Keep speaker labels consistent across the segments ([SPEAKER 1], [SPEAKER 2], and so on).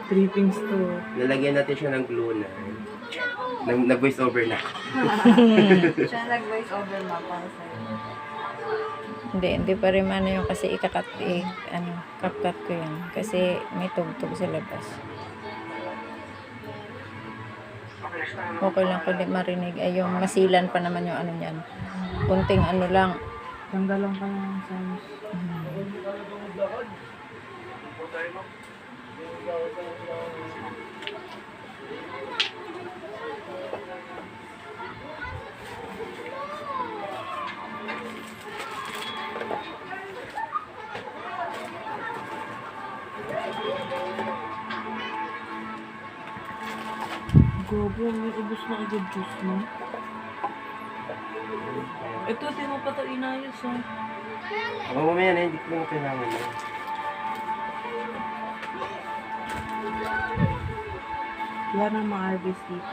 [SPEAKER 1] Trippings to.
[SPEAKER 2] Lalagyan natin siya ng glue na. Nag-voice over na.
[SPEAKER 3] Siya nag-voice over ma para sa'yo.
[SPEAKER 4] Hindi pa rin ano yung kasi ikakat, kapkat ko yan. Kasi may tugtog sa labas. Okay lang kundi marinig. Ay, yung masilan pa naman yung ano niyan. Kunting ano lang.
[SPEAKER 1] Tanggalan ka na ng sounds. Gobo, may ubos na agad juice mo. Ito, di mo pa ito inayos ah.
[SPEAKER 2] Ako mamaya na, hindi ko lang kailangan na.
[SPEAKER 1] Wala nang ma-harvest dito.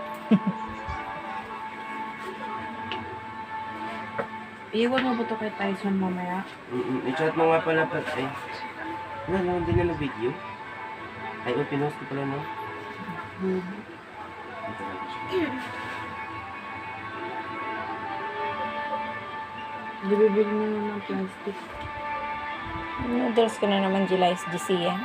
[SPEAKER 1] Iwan mo ba ito kay Tyson mamaya?
[SPEAKER 2] I-chat mo nga pala pa. Ay, wala din na video. Ay, pinost ko pala no.
[SPEAKER 1] Bibili mo ng plastic.
[SPEAKER 4] Noodles ko na naman July's GC yan.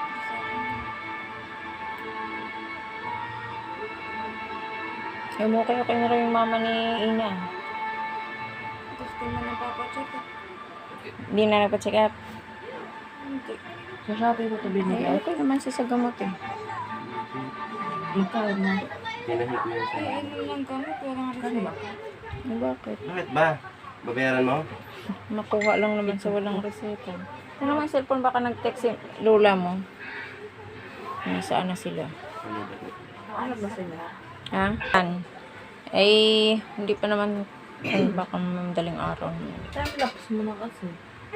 [SPEAKER 4] Okay na rin yung mama ni Ina.
[SPEAKER 3] Gusto mo na papacheck up?
[SPEAKER 4] Hindi na nagpa-check up.
[SPEAKER 3] Hindi.
[SPEAKER 1] Sa Shopee ko ito binili.
[SPEAKER 4] Ay, okay naman siya sa gamot eh.
[SPEAKER 1] Magkano na?
[SPEAKER 2] Tinahit mo yun sa
[SPEAKER 3] Eh, ano lang gamit? Walang reseta.
[SPEAKER 4] Ay, bakit?
[SPEAKER 2] Bakit ba? Babayaran mo?
[SPEAKER 4] Makuha lang naman sa walang reseta. Ano naman cellphone baka nag-text si lola mo? Nasaan na sila?
[SPEAKER 2] Ano ba?
[SPEAKER 1] Ano ba sila?
[SPEAKER 4] Ha? Ay, hindi pa naman ay, baka madaling araw.
[SPEAKER 1] Time lapse mo na kasi.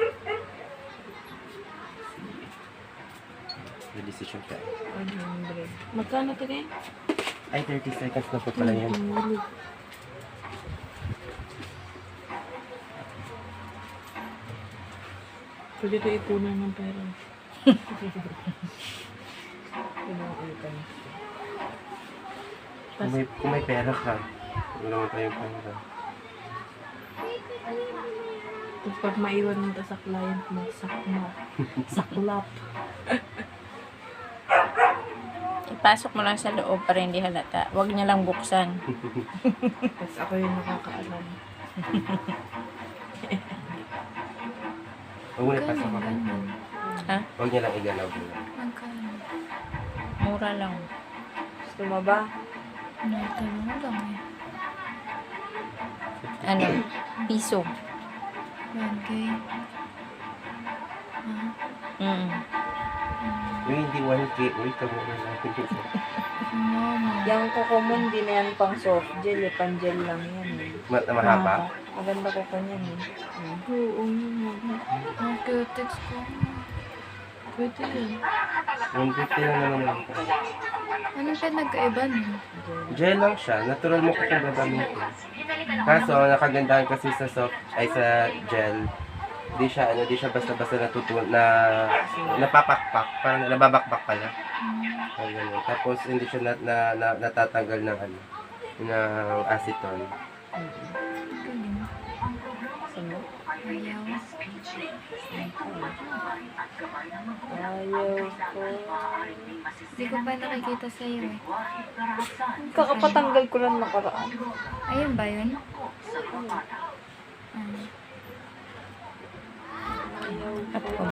[SPEAKER 2] May decision ka.
[SPEAKER 1] Magkano ito eh?
[SPEAKER 2] Ay, 30 seconds na po pala yan.
[SPEAKER 1] Pwede ito ipunan ng pera.
[SPEAKER 2] Kung may pera ka, wala naman tayong pera.
[SPEAKER 1] Tapos pag maiwan mo ito sa client mo, saklap.
[SPEAKER 4] Ipasok mo lang sa loob para hindi halata. Huwag niya lang buksan.
[SPEAKER 1] Tapos ako yung nakakaalam.
[SPEAKER 2] Huwag mo na pasok ako.
[SPEAKER 4] Ha?
[SPEAKER 2] Huwag niya lang igalaw mo.
[SPEAKER 3] Magkano?
[SPEAKER 4] Mura lang.
[SPEAKER 1] Gusto mo ba?
[SPEAKER 3] Natanong mo lang eh.
[SPEAKER 4] Ano? Piso.
[SPEAKER 3] 1K.
[SPEAKER 4] Mm.
[SPEAKER 2] Yung hindi 1K, uy, kamura natin ito.
[SPEAKER 3] Mama.
[SPEAKER 1] Yung kukumon, di na yan pang soft gel, pan-gel lang yan eh.
[SPEAKER 2] Mahaba?
[SPEAKER 1] Maganda ko kanyan eh.
[SPEAKER 3] Oo, text ko.
[SPEAKER 1] Pwede yan.
[SPEAKER 2] 150 lang naman lang.
[SPEAKER 3] Anong pinagkaiba niyo?
[SPEAKER 2] Gel lang siya. Natural mo kung gagamitin. Kaso, nakagandahan kasi sa soft, ay sa gel. Di siya basta-basta napapakpak. Parang nababakbak pala. Ay, ganun. Tapos, hindi siya natatanggal ng ng acetone.
[SPEAKER 3] Galing.
[SPEAKER 1] Sino?
[SPEAKER 3] Ayaw.
[SPEAKER 1] Ayaw ko.
[SPEAKER 3] Hindi ko pa nakikita sa'yo eh.
[SPEAKER 1] Kakapatanggal ko lang nakaraan.
[SPEAKER 3] Ayun ba yun?
[SPEAKER 4] At